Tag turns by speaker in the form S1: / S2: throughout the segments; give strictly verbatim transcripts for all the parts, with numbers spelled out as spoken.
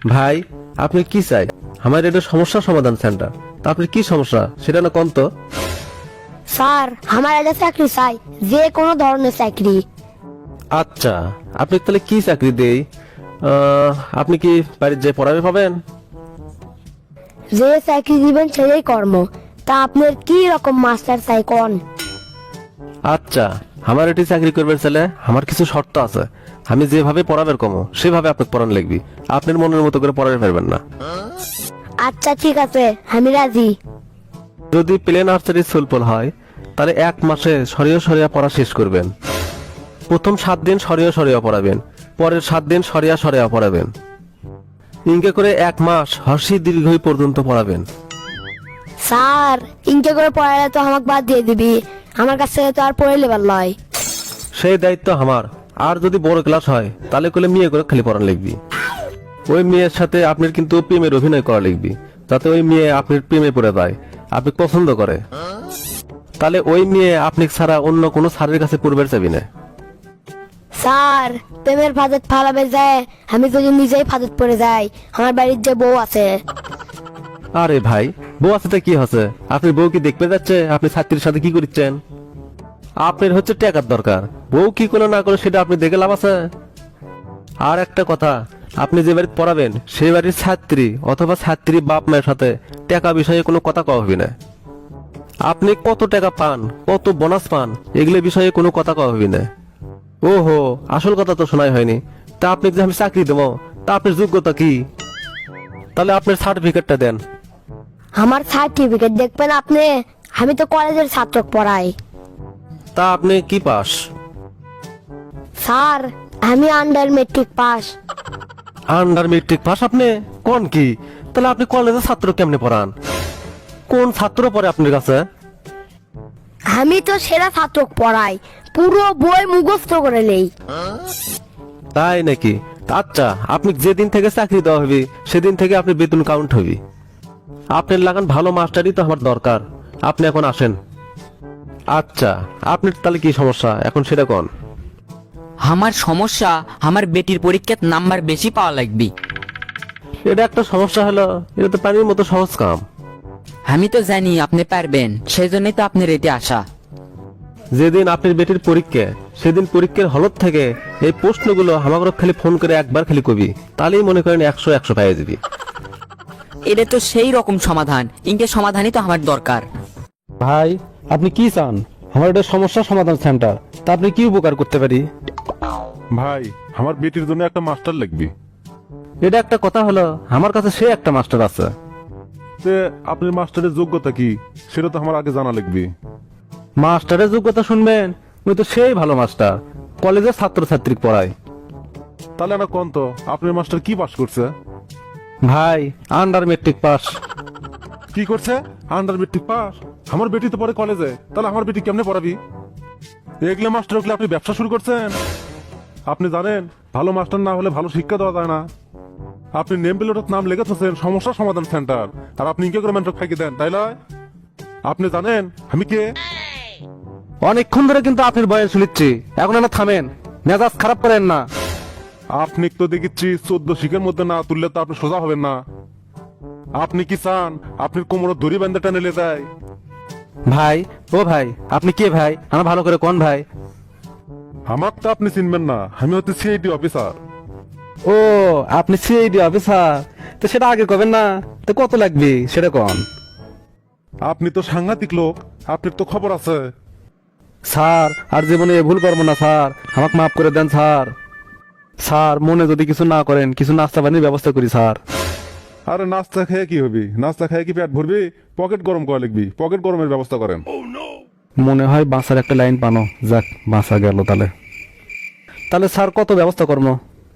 S1: ভাই আপনি কি চাই? আমার এটা সমস্যা সমাধান সেন্টার। তা আপনি কি সমস্যা সেটা না কোন তো?
S2: স্যার আমার একটা চাকরি চাই, যে কোনো ধরনের চাকরি।
S1: আচ্ছা, আপনি তাহলে কি চাকরি দেই? আহ, আপনি কি বাড়ির যে পড়াবে পাবেন?
S2: যে চাকরি দিবেন সেই কর্ম। তা আপনার কি রকম মাস্টার চাই কোন?
S1: আচ্ছা, আমার এটি চাকরি করবে ছেলে, আমার কিছু শর্ত আছে। আমি যেভাবে পড়াবের কমো সেভাবে আপনাকে পড়ান লিখবি। আপনার মনের মতো করে পড়াতে পারবেন না।
S2: আচ্ছা ঠিক আছে, আমি রাজি।
S1: যদি প্লে নার্সারি সুলপল হয় তাহলে এক মাসে সরিয়ে সরিয়া পড়া শেষ করবেন। প্রথম সাত দিন সরিয়ে সরিয়া পড়াবেন, পরের সাত দিন সরিয়া সরিয়া পড়াবেন। ইনকে করে এক মাস হর্ষি দীর্ঘই পর্যন্ত পড়াবেন।
S2: স্যার ইনকে করে পড়ালে তো আমাকে বাদ দিয়ে দিবি, আমার কাছ থেকে তো আর পড়ে লেবার লয়।
S1: সেই দায়িত্ব আমার। আর যদি বড় ক্লাস হয় তাহলে করলে মেয়ে করে খালি পড়ান লিখবি। ওই মেয়ের সাথে আপনার কিন্তু প্রেমের অভিনয় করা লিখবি, যাতে ওই মেয়ে আপনার প্রেমে পড়ে যায়, আপনি পছন্দ করে। তাহলে ওই মেয়ে আপনি ছাড়া অন্য কোনো স্যারের কাছে পূর্বের চাবি না।
S2: স্যার প্রেমের ফাঁদত ফালাবে যায়, আমি যদি নিজেই ফাঁদত পড়ে যাই, আমার বাড়ির যে বউ আছে।
S1: আরে ভাই, বউ আছে তো কি হচ্ছে? আপনি বউ কি দেখতে যাচ্ছে আপনি ছাত্রীর সাথে কি করছেন? আপনার হচ্ছে টাকার দরকার, বউ কি করে না করে সেটা আপনি দেখে লাভ আছে? আর একটা কথা, আপনি যে বাড়ি পড়াবেন সেই বাড়ির ছাত্রী অথবা ছাত্রী বাপ মায়ের সাথে টাকা বিষয়ে কোনো কথা কওয়া হবে না। আপনি কত টাকা পান, কত বোনাস পান, এগুলো বিষয়ে কোনো কথা কওয়া হবে না। ওহো, আসল কথা তো শোনাই হয়নি। তা আপনি যে আমি চাকরি দেবো, তা আপনার যোগ্যতা কি? তাহলে আপনার সার্টিফিকেটটা দেন।
S2: আমার সার্টিফিকেট দেখবেন আপনি? আমি তো কলেজের ছাত্র পড়াই।
S1: তা আপনি কি পাস?
S2: স্যার আমি under matric pass.
S1: Under matric pass আপনি? কোন কি? তাহলে আপনি কলেজের ছাত্র কেমনে পড়ান? কোন ছাত্র পড়ে আপনার কাছে?
S2: আমি তো সেরা ছাত্র পড়াই, পুরো বই মুখস্থ করে নেই।
S1: তাই নাকি? আচ্ছা, আপনি যেদিন থেকে চাকরি দেওয়া হবে সেদিন থেকে আপনি বেতন কাউন্ট হবি। আপনার লাগান ভালো মাস্টারই তো আমার দরকার। আপনি এখন আসেন। আচ্ছা, আপনার তাহলে কি সমস্যা এখন সেটা কোন?
S3: আমার সমস্যা, আমার বেটির পরীক্ষার নাম্বার বেশি পাওয়া লাগবে।
S1: এটা একটা সমস্যা হলো? এটা তো পানির মতো সহজ কাম।
S3: আমি তো জানি আপনি পারবেন, সেই জন্যই তো আপনার এতে আসা।
S1: যেদিন আপনার বেটির পরীক্ষা সেদিন পরীক্ষার হলত থেকে এই প্রশ্নগুলো আমাকে খালি ফোন করে একবার খালি কবি, তাহলেই মনে করেন একশো একশো পাইয়ে দিবি।
S3: এটা তো সেই রকম সমাধান, ইনকে সমাধানই তো আমার দরকার।
S1: ভাই আপনি কি চান? আমার এটা সমস্যা সমাধান সেন্টার, তা আপনি কি উপকার করতে পারি?
S4: ভাই আমার বেটির জন্য একটা মাস্টার লাগবে।
S1: এটা একটা কথা হলো, আমার কাছে সে একটা মাস্টার আছে।
S4: তে আপনার মাস্টারের যোগ্যতা কি সেটা তো আমার আগে জানা লাগবে।
S1: মাস্টারের যোগ্যতা শুনবেন? ওই তো সেই ভালো মাস্টার, কলেজের ছাত্র ছাত্রী পড়ায়।
S4: তাহলে না কোন তো আপনার মাস্টার কি পাস করছে?
S1: ভাই আন্ডার মেট্রিক পাস।
S4: কি করছে? Under matric pass? আমার বেটি তো পড়ে কলেজে, তাহলে আমার বেটি কেমনে পড়াবি? এগুলো মাস্টার হলে আপনি ব্যবসা শুরু করছেন? আপনি জানেন ভালো মাস্টার না হলে ভালো শিক্ষা দেওয়া যায় না। আপনি নেম প্লেটের নাম লেগেছেন সমস্যা সমাধান সেন্টার, আর আপনি কি করে মেন্টর খাইকে দেন, তাই নয়? আপনি জানেন আমি কে?
S1: অনেকক্ষণ ধরে কিন্তু আপনার বয়স শুনিচ্ছি, এখন না থামেন, মেজাজ খারাপ করেন না।
S4: আপনি তো দেখিচ্ছি চোদ্দ শিখের মধ্যে না তুললে তো আপনি সোজা হবেন না। আপনি কি চান আপনার কোমরে দড়ি বেঁধে টেনে নিয়ে যায়?
S1: ভাই ও ভাই, আপনি কে ভাই? আমার ভালো করে কোন ভাই?
S4: আমার তো আপনি চিনবেন না, আমি হচ্ছে সিআইডি অফিসার।
S1: ও আপনি সিআইডি অফিসার? তো সেটা আগে কবেন না? তো কত লাগবে সেটা কোন?
S4: আপনি তো সাংঘাতিক লোক, আপনার তো খবর আছে।
S1: স্যার আর জীবনে এ ভুল করবো না স্যার, আমাকে মাফ করে দেন স্যার। স্যার মনে যদি কিছু না করেন, কিছু নাস্তা পানির ব্যবস্থা করি স্যার।
S4: আরে নাস্তা খেয়ে কি হবি? নাস্তা খেয়ে কি পেট ভরবি? পকেট গরম করা লিখবি, পকেট গরমের ব্যবস্থা করেন।
S1: মনে হয় বাঁচার একটা লাইন পানো, যাক বাঁচা গেল। তাহলে তাহলে স্যার কত ব্যবস্থা করবো?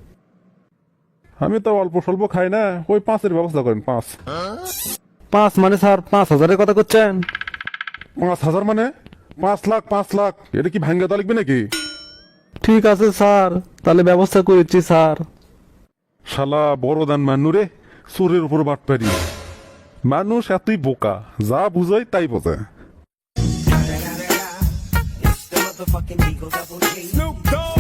S4: আমি তো অল্প স্বল্প খাই না, ওই পাঁচের ব্যবস্থা করেন। পাঁচ?
S1: পাঁচ মানে স্যার পাঁচ হাজারের কথা করছেন?
S4: পাঁচ হাজার মানে পাঁচ লাখ? পাঁচ লাখ এটা কি ভাঙ্গা তা লিখবি নাকি?
S1: ঠিক আছে স্যার, তাহলে ব্যবস্থা করেছি স্যার।
S4: শালা বড় দান মানু রে, চোরের উপর বাট পারি। মানুষ এতই বোকা, যা বুঝাই তাই বোঝে।
S5: It's the motherfucking Eagle Double G. Snoop Dogg.